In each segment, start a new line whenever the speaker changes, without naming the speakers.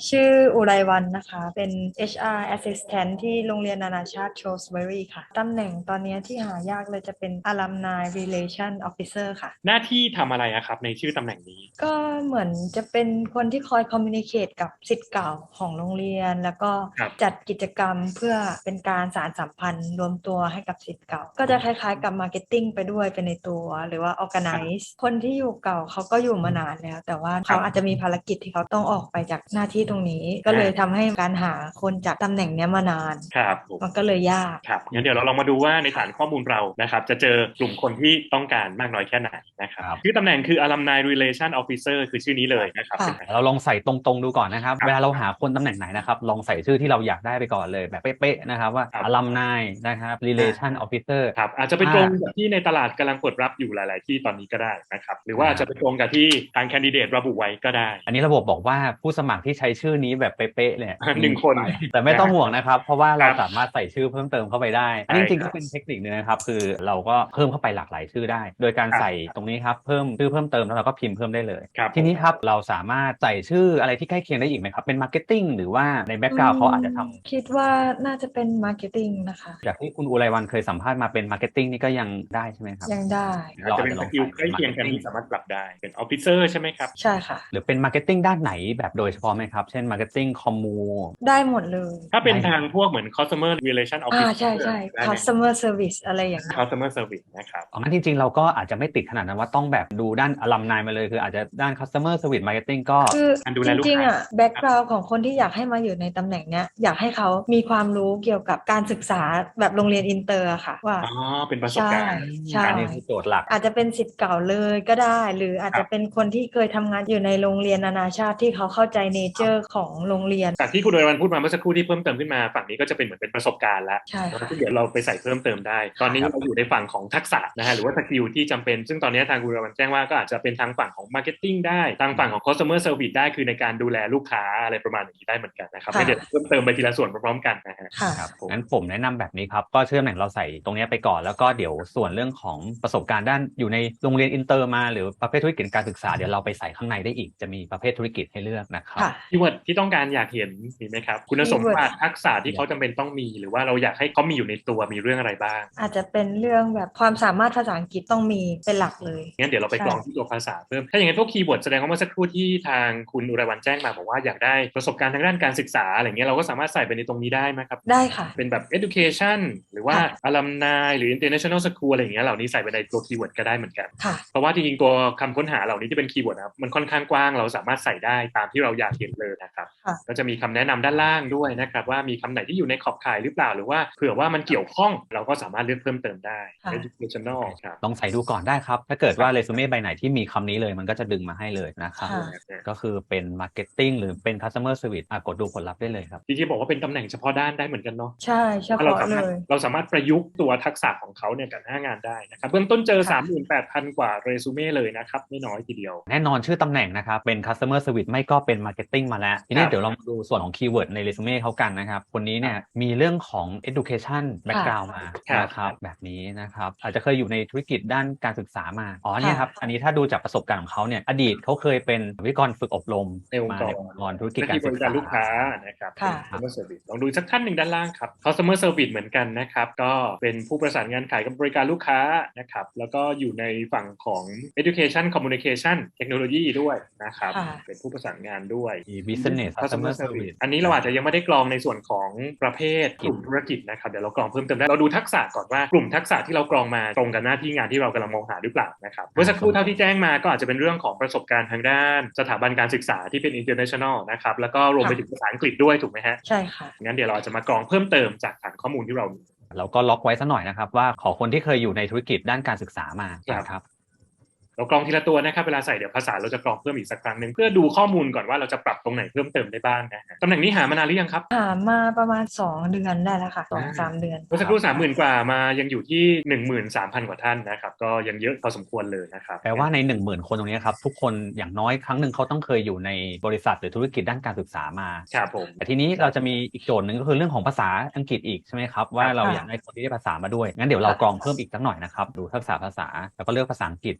ชื่ออุไรวรรณนะคะ เป็น HR Assistant ที่โรงเรียนนานาชาติ Shrewsbury ค่ะ ตำแหน่งตอนนี้ที่หายากเลยจะเป็น Alumni Relation Officer ค่ะ
หน้าที่ทำอะไรอะครับในชื่อตำแหน่งนี้
ก็เหมือนจะเป็นคนที่คอย communicate กับศิษย์เก่าของโรงเรียน แล้วก็
ครับ
จัดกิจกรรมเพื่อเป็นการสานสัมพันธ์รวมตัวให้กับศิษย์เก่า ก็จะคล้ายๆกับ marketing ไปด้วยเป็นในตัว หรือว่า
ครับ
organize คนที่อยู่เก่าเขาก็อยู่มานานแล้ว แต่ว่า
ครั
เขาอาจจะ
บ
มีภารกิจที่เขาต้องออกไปจากหน้าที่ตรงนี้ ก็เลยทำให้การหาคนจากตำแหน่งเนี้ยมานาน
ครับผม
มันก็เลยยาก
ครับงั้นเดี๋ยวเราลองมาดูว่าในฐานข้อมูลเรานะครับจะเจอกลุ่มคนที่ต้องการมากน้อยแค่ไหนนะครับ
ครับ
ชื่อตำแหน่งคือ Alumni Relation Officer คือชื่อนี้เลยนะครับ
ค่ะ
เราลองใส่ตรงๆดูก่อนนะครับ
ครับ
เวลาเราหาคนตำแหน่งไหนนะครับลองใส่ชื่อที่เราอยากได้ไปก่อนเลยแบบเป๊ะๆนะครับว่า
ครับ
alumni นะครับ relation officer
ครับอาจจะไปตรงกับที่ในตลาดกำลังเปิดรับอยู่หลาย ๆ ที่ตอนนี้ก็ได้นะครับหรือว่าอาจจะไปตรงกับที่ทางแคนดิเดตระบุไว้ก็ได้
อันนี้ระบบบอกว่าผู้สมัครที่ใช้ชื่อนี้แบบเป๊ะๆเนี่ย
หนึ่งคน
แต่ไม่ต้องห่วงนะครับเพราะว่าเรา
ครับ
สามารถใส่ชื่อเพิ่มเติมเข้าไปได้อันนี้จริงๆก็เป็นเทคนิคนึงนะครับคือเราก็เพิ่มเข้าไปหลากหลายชื่อได้ โดยการใส่ตรงนี้ครับเพิ่มชื่อเพิ่มเติมแล้วเราก็พิมพ์เพิ่มได้เลย
ครับ
ทีนี้ครับเราสามารถใส่ชื่ออะไรที่ใกล้เคียงได้อีกไหมครับเป็นมาร์เก็ตติ้งหรือว่าในแบ็กกราวด์เขาอาจจะทำ
คิดว่าน่าจะเป็น marketing นะคะ
จากที่คุณอุไรวันเคยสัมภาษณ์มาเป็นมาร์เก็ตติ้งนี่ก็ยังได้ใช่ไหมครับ
ยังได้
อาจจะเป็นสกิลใกล้เคียงกันที่สามารถปรับได้เป็นออฟฟิเซอร์ใช่ไหมครับ
ใช่ค่ะ
หรือเป็นมาร์เก็ตติ้งด้านไหนแบบโดยเฉพาะไหมครับเช่นมาร์เก็ตติ้งคอมมู
ได้หมดเลย
ถ้าเป็นทางพวกเหมือน customer relation
ใช่
officer
ใช่
ได้ไหม
customer service อะไรอย่างเงี้ย
customer service นะครับ
งั้นจริงๆเราก็อาจจะไม่ติดขนาดนั้นว่าต้องแบบดูด้านอลัมนายมาเลยคืออาจจะด้าน customer service marketing ก็
คือ
การดู
จ
แลลูกค้า
ริงๆแบ็กกราว n d ของคนที่อยากให้มาอยู่ในตำแหน่งเนี้ยอยากให้เขามีความรู้เกี่ยวกับการศึกษาแบบโรงเรียนอินเตอร์อะค่ะว่า
อ๋อเป็นประสบ
ใช่
การณ์
ใช่
อันนี้คือโจทย์หลัก
อาจจะเป็นศิษย์เก่าเลยก็ได้ หรืออาจ
ครับ
จะเป็นคนที่เคยทำงานอยู่ในโรงเรียนนานาชาติที่เขาเข้าใจเนเจอร์ของโรงเรียน
จากที่คุณโดยวันพูดมาเมื่อสักครู่ที่เพิ่มเติมขึ้นมาฝั่งนี้ก็จะเป็นเหมือนเป็นประสบการณ์แล้ว
ใช่ค่ะ
ที่เดี๋ยวเราไปใส่เพิ่มเติมได้ ตอนนี้เราอยู่ในฝั่งของทักษะนะฮะหรือว่าสกิลที่จำเป็นซึ่งตอนนี้ทางคุณโดยวันแจ้งว่าก็อาจจะเป็นทางฝั่งของ marketing ได้ทางฝั่งของ customer service ได้คือในการดูแลลูกค้าอะไรประมาณนี้ได้เหมือนกันนะครับให้เดี๋ยวเพิ่มเติมไปทีละส่วนพร้อมๆกันนะฮะ
ค่ะ
ครับงั้นผมแนะนำแบบนี้ครับก็เชื่อมแหล่งเราใส่ตรงนี้ไปก่อนแล้วก็เดี๋ยวส่วนเรื่องของประสบการณ์ด้านอยู่ในโรงเรียนอินเตอร์มาหรือประเภทธุรกิจการศึกษาเดี๋ยวเราไปใส่ข้างในได้อีกจะมีประเภทธุรกิจให้เลือกนะครับ
ค่ะ
คีย์เวิร์ดที่ต้องการอยากเห็นมีไหมครับคุณสมบัติทักษะที่เขาจำเป็นต้องมีหรือว่าเราอยากให้เขามีอยู่ในตัวมีเรื่องอะไรบ้าง
อาจจะเป็นเรื่องแบบความสามารถภาษาอังกฤษต้องมีเป็นหลักเลย
งั้นเดี๋ยวเราไปกรองที่ตัวภาษาเพิ่มถ้าอย่างนั้นพวกคีย์เวิร์ดแสดงว่าเมื่อสักครู่ที่ทางคุณอุไรวันแจ้งมาบอกว่าอยากได้ประสบการณ์ทางด้านการศึกษาอะไรเงี้ยเราก็สามารถใส่ไปในตรงนี้ได้ไหมครับ
ได้ค่ะ
เป็นแบบ education หรือว่า
ค่ะ
alumni หรือ international school อะไรอย่างเงี้ยเหล่านี้ใส่ไปในตัวคีย์เวิร์ดก็ได้เหมือนกัน
ค่ะ
เพราะว่าจริงๆตัวคำค้นหาเหล่านี้ที่เป็นคีย์เวิร์ดนะครับมันค่อนข้างกว้างเราสามารถใส่ได้ตามที่เราอยากเห็นเลยนะครับ
ค่ะ
ก็จะมีคำแนะนำด้านล่างด้วยนะครับว่ามีคำไหนที่อยู่ในขอบข่ายหรือเปล่าหรือว่าเผื่อว่ามันเกี่ยวข้องเราก็สามารถเลือกเพิ่มเติมได้
ค่ะ
educational ครับ
ลองใส่ดูก่อนได้ครับ ถ้าเกิดว่าเรซูเม่ใบไหนที่มีคำนี้เลยมันก็จะดึงมาให้เลยนะครับ
ค่ะ
ก็คือเป็น Marketing หรือเป็น Customer Service กดดูผลลัพธ์ได้เลยครับ
จริงๆบอกว่าเป็นตำแหน่งเฉพาะด้านได้เหมือนกันเนาะ
ใช่เฉ
ว่าเรา
พาะ
สา
เล
มารถ
ย
เราสามารถประยุกต์ตัวทักษะของเขาเนี่ยกับหน้างานได้นะครับเบื้องต้นเจอ
ค่ะ
38,000 กว่าเรซูเม่เลยนะครับไม่น้อยทีเดียว
แน่นอนชื่อตำแหน่งนะครับเป็น Customer Service ไม่ก็เป็น Marketing มาแล้ว ทีนี้เดี๋ยวเรามาดูส่วนของคีย์เวิร์ดในเรซูเม่เขากันนะครับคนนี้เนี่ยมีเรื่องของ Education Background มา
ครับ
นะครับแบบนี้นะครับอาจจะเคยอยู่ในธุรกิจด้านการศึกษามาอ๋อเนี่ยครับอันนี้ถ้าดูจากประสบการณ์ของเขาเนี่ยอดีตเขาเคยเป็นวิทยากรฝึกอบรม
ในองค์
มาก
ร
ในองค์กรธุรกิจ
หน้า
การ
ที่บ
ศึก
ริการ
ษา
ลูกค้านะครับ
ค่ะ
customer service ลองดูสักท่านหนึ่งด้านล่างครับ customer service เหมือนกันนะครับก็เป็นผู้ประสานงานขายกับบริการลูกค้านะครับแล้วก็อยู่ในฝั่งของ education communication technology ด้วยนะครับ
ค่ะ
เป็นผู้ประสานงานด้วย
มี Business Customer Service
อันนี้เราอาจจะยังไม่ได้กรองในส่วนของประเภทกลุ่มธุรกิจนะครับเดี๋ยวเรากรองเพิ่มเติมได้เราดูทักษะก่อนว่ากลุ่มทักษะที่เรากรองมาตรงกับหน้าที่งานที่เรากำลังมองหาหรือเปล่านะครับเมื่อสักครู่เท่าที่แจ้งมาก็อาจจะเป็นเรื่องของประสบการณ์ทางด้านสถาบันการศึกษาที่เป็น international นะครับแล้วก็รวมไปถึงภาษาอังกฤษด้วยถูกไหมฮะ
ใช่ค่ะ
งั้นเดี๋ยวเราอาจจะมากรองเพิ่มเติมจากฐานข้อมูลที่เรามี
เราก็ล็อกไว้ซะหน่อยนะครับว่าขอคนที่เคยอยู่ในธุรกิจด้านการศึกษามานะครับ
เรากรองทีละตัวนะครับเวลาใส่เดี๋ยวภาษาเราจะกรองเพิ่มอีกสักครั้งหนึ่งเพื่อดูข้อมูลก่อนว่าเราจะปรับตรงไหนเพิ่มเติมได้บ้างนะฮะตำแหน่งนี้หามานานหรือยังครับ
หามาประมาณ2 เดือนได้แล้วค่ะ2-3 เดือน
เมื่อสักครู่30,000 กว่ามายังอยู่ที่ 13,000 กว่าท่านนะครับก็ยังเยอะพอสมควรเลยนะครับ
แปลว่าใน 10,000 คนตรงนี้ครับทุกคนอย่างน้อยครั้งหนึ่งเขาต้องเคยอยู่ในบริษัทหรือธุรกิจด้านการศึกษามา
ครับผม
แต่ทีนี้เราจะมีอีกโจทย์หนึ่งก็คือเรื่องของภาษาอังกฤษอีกใช่ไหมครับว่าเราอยากได้คนที่ได้ภาษามาด้วยงั้นเดี๋ยวเรากรองเพิ่มอีกสักหน่อยนะครับดูทักษะภาษาแล้วก็เลือกภาษาอังกฤษนะครับที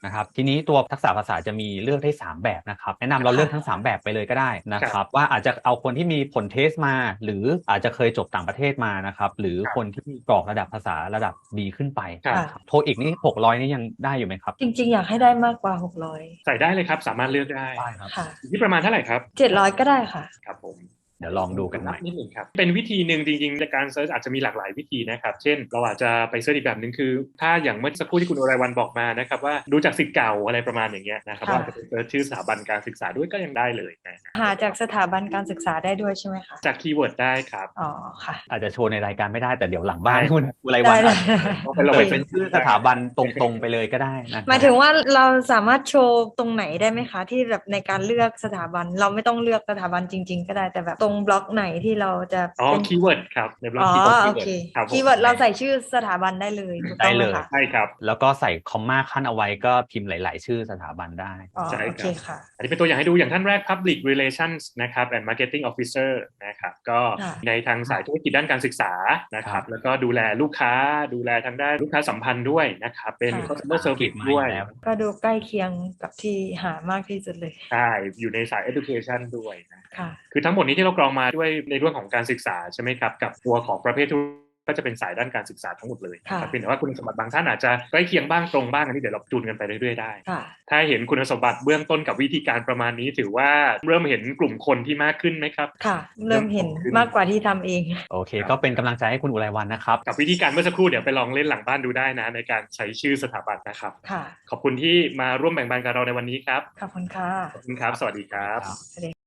ทีนี้ตัวทักษะภาษาจะมีเลือกได้3แบบนะครับแนะนำเราเลือกทั้ง3แบบไปเลยก็ได้นะครับว่าอาจจะเอาคนที่มีผลเทสมาหรืออาจจะเคยจบต่างประเทศมานะครับหรือคนที่กรอกระดับภาษาระดับดีขึ้นไป
ค่ะ
โทอีกนี่600นี่ยังได้อยู่ไหมครับ
จริงๆ อยากให้ได้มากกว่า
ใส่ได้เลยครับสามารถเลือกได้
ได้ครับ
600 ค่ะ
อยู่ที่ประมาณเท่าไหร่ครับ
700 ก็ได้ค่ะ
ครับผม
เดี๋ยวลองดูกันหน่อย
นิดหนึ่งครับเป็นวิธีหนึ่งจริงๆในการเซิร์ชอาจจะมีหลากหลายวิธีนะครับเช่นเราอาจจะไปเซิร์ชอีกแบบหนึ่งคือ ถ้าอย่างเมื่อสักครู่ที่คุณอุไรวันบอกมานะครับว่าดูจากศิษย์เก่าอะไรประมาณอย่างเงี้ยนะครับ
ค่ะ
ว่าจะไปเซิร์ชชื่อสถาบันการศึกษาด้วยก็ยังได้เลยนะ
หาจากสถาบันการศึกษาได้ด้วยใช่ไหมคะ
จากคีย์เวิร์ดได้ครับ
อ๋อค่ะ
อาจจะโชว์ในรายการไม่ได้แต่เดี๋ยวหลังบ้าน
ได้
คุณอุไรวัน
ได้
ต้องไปลง
เปิ
ไป
ดเป็นชื่อสถาบันตรงๆไปเลยก็ได้นะ
หมายถึงว่าเราสามารถโชว์ตรงไหนได้ไหมคะ ที่แบบในการเลือกสถาบันเราไม่ต้องเลือกสถาบันจริง ๆ ก็ได้แต่แบบตรงบล็อกไหนที่เราจะ
อ๋อ
เป็น
คีย์เวิร์ดครับในบล็อก
อ๋อ
คีย์เวิร์ด
โอเค
ครับผม
คีย์เวิร์ดเราใส่ชื่อสถาบันได้เลยถูกต้องไหมคะ
ใช่ครับ
แล้วก็ใส่คอมมาขั้นเอาไว้ก็พิมพ์หลาย ๆ ชื่อสถาบันได้
อ๋อ
ใช่ครับ
โอเคค่ะ
อันนี้เป็นตัวอย่างให้ดูอย่างท่านแรก Public Relations นะครับ and Marketing Officer นะครับก็
ค่ะ
ในทางสายธุรกิจด้านการศึกษานะครับแล้วก็ดูแลลูกค้าดูแลทางด้านลูกค้าสัมพันธ์ด้วยนะครับเป็น
ค่ะ
customer service ด้วย
แล้ว
ก็ดูใกล้เคียงกับที่หามากที่สุดเลย
ใช่อยู่ในสาย education ด้วยนะ
ค่ะ
คือทั้งหมดนี้ที่เรากรองมาด้วยในเรื่องของการศึกษาใช่ไหมครับกับตัวของประเภทธุรกิจก็จะเป็นสายด้านการศึกษาทั้งหมดเลยนะครับ
ค่ะ
เพียงแต่ว่าคุณสมบัติบางท่านอาจจะใกล้เคียงบ้างตรงบ้างอันนี้เดี๋ยวเราจูนกันไปเรื่อยๆได้
ค่ะ
ถ้าเห็นคุณสมบัติเบื้องต้นกับวิธีการประมาณนี้ถือว่าเริ่มเห็นกลุ่มคนที่มากขึ้นไหมครับ
ค่ะ เริ่มเห็นมากกว่าที่ทำเอง
โอเค ก็เป็นกำลังใจให้คุณอุไรวันนะครับ
กับวิธีการเมื่อสักครู่เดี๋ยวไปลองเล่นหลังบ้านดูได้นะในการใช้ชื่อสถาบันนะครับ
ค่ะ
ขอบคุณที่มาร่วมแบ่งปันกับเราในวันนี้ครับ
ขอบคุณค่ะ
ขอบคุณครับ สวัสดีครับ
สวัสดี